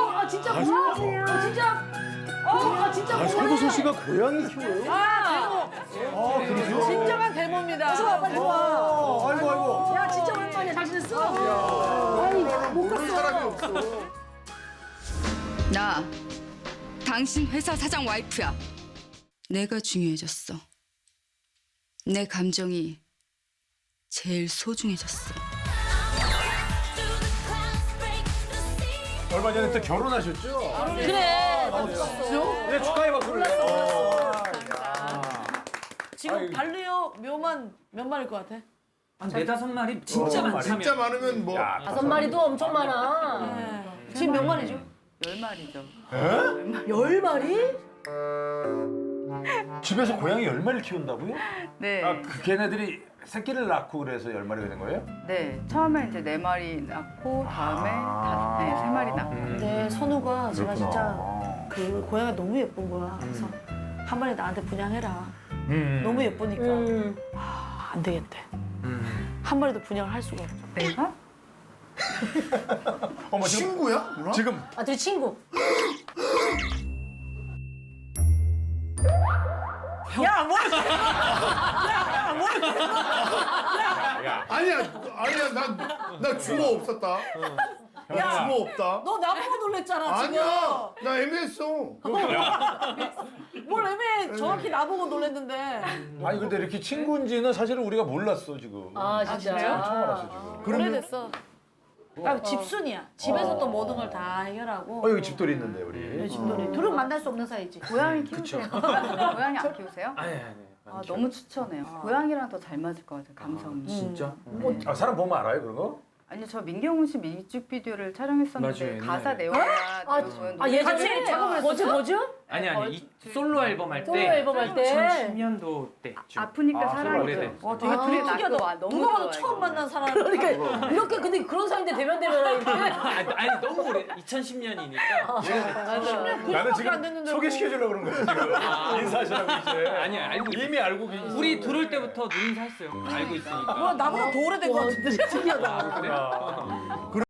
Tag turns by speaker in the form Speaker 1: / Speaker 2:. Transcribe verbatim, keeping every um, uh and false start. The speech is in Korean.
Speaker 1: 아 진짜 고마워. 아 진짜. 아 진짜
Speaker 2: 아,
Speaker 1: 고마워.
Speaker 2: 설거수 씨가 고양이 키워요?
Speaker 1: 아
Speaker 2: 아, 그러세요?
Speaker 1: 진정한 대모입니다. 좋아 빨리 좋아.
Speaker 2: 아이고, 아이고.
Speaker 1: 야 진짜 오랜만이야. 잘 지냈어? 아이 못
Speaker 3: 모르는 사람이
Speaker 1: 갔어.
Speaker 3: 없어.
Speaker 4: 나 당신 회사 사장 와이프야. 내가 중요해졌어. 내 감정이 제일 소중해졌어.
Speaker 2: 얼마 전에 또 결혼하셨죠?
Speaker 1: 그래.
Speaker 2: 네, 축하의 박수를. 어.
Speaker 1: 지금
Speaker 2: 아이고.
Speaker 1: 반려묘 묘만 몇 마리일 것 같아?
Speaker 5: 한 네다섯 마리 진짜
Speaker 2: 어,
Speaker 5: 많다면.
Speaker 3: 진짜 많으면 뭐
Speaker 2: 야,
Speaker 1: 다섯 마리도 엄청 많아. 네. 지금 몇 마리죠?
Speaker 4: 열 마리죠.
Speaker 1: 열 마리?
Speaker 2: 집에서 고양이 열 마리를 키운다고요?
Speaker 4: 네.
Speaker 2: 아, 그 걔네들이 새끼를 낳고 그래서 열 마리가 된 거예요?
Speaker 4: 네. 처음에 이제 네 마리 낳고 다음에
Speaker 2: 아.
Speaker 4: 다섯, 네, 세 마리 낳고.
Speaker 1: 근데 선우가 제가 진짜
Speaker 2: 그렇구나.
Speaker 1: 그 고양이가 너무 예쁜 거야. 그래서 한 마리 나한테 분양해라.
Speaker 2: 음.
Speaker 1: 너무 예쁘니까 아, 안 되겠대.
Speaker 5: 음.
Speaker 1: 한 마리도 분양을 할 수가 없어.
Speaker 4: 내가?
Speaker 2: 어머, 지금,
Speaker 3: 친구야? 누나?
Speaker 2: 지금
Speaker 1: 아, 둘이 친구. 야, 뭘? 야, 뭘?
Speaker 3: 아니야, 아니야, 난, 나 주모 없었다. 나 주모 없다.
Speaker 1: 너 나보고 놀랬잖아,
Speaker 3: 아니야, 나 애매했어.
Speaker 1: 지금. 뭘 애매해. 정확히 나보고 놀랬는데.
Speaker 2: 아니 근데 이렇게 친구인지는 사실은 우리가 몰랐어 지금.
Speaker 1: 아, 진짜요?
Speaker 2: 처음 알았어 지금.
Speaker 1: 오래됐어. 아, 집순이야. 집에서 또 모든 걸 다 해결하고.
Speaker 2: 어 여기 집돌이 있는데 우리.
Speaker 1: 네, 집돌이. 둘은 만날 수 없는 사이지.
Speaker 4: 고양이 키우세요? 고양이 안 키우세요?
Speaker 5: 아니 아니.
Speaker 4: 아, 너무 추천해요. 고양이랑 더 잘 맞을 것 같아요, 감성이.
Speaker 5: 진짜?
Speaker 2: 아 사람 보면 알아요 그런 거?
Speaker 4: 아니, 저 민경훈 씨 뮤직비디오를 촬영했었는데
Speaker 5: 맞아요,
Speaker 4: 가사
Speaker 5: 옛날에.
Speaker 4: 내용이나
Speaker 1: 아,
Speaker 4: 내용은
Speaker 1: 아 예전에
Speaker 4: 같이
Speaker 1: 작업을 뭐지 뭐지?
Speaker 5: 아니 아니 이 솔로 앨범 할 때.
Speaker 1: 솔로 앨범 할 때.
Speaker 5: 이천십 년도 때쯤.
Speaker 4: 아프니까
Speaker 2: 아,
Speaker 4: 살아있죠.
Speaker 5: 오래돼.
Speaker 1: 와, 되게
Speaker 4: 아,
Speaker 1: 둘이
Speaker 4: 나
Speaker 1: 특이하다.
Speaker 4: 그거 너무
Speaker 1: 누가 봐도
Speaker 4: 좋아해,
Speaker 1: 처음
Speaker 4: 그거.
Speaker 1: 만난 사람. 그러니까 이렇게 근데 그런 사이인데 대면 대면하는데.
Speaker 5: 아니, 아니 너무 오래. 이천십 년이니까.
Speaker 2: 나는
Speaker 1: 안
Speaker 2: 지금
Speaker 1: 됐는데
Speaker 2: 소개시켜주려고 그런 거야 지금. 인사하시라고 이제.
Speaker 5: 아니 알고 있
Speaker 2: 이미 알고 계시.
Speaker 5: 우리 들어올 때부터 눈 인사했어요. 알고 있으니까.
Speaker 1: 뭐 나보다 더 오래된 것 같은데. 특이하다.
Speaker 5: 아, 그래?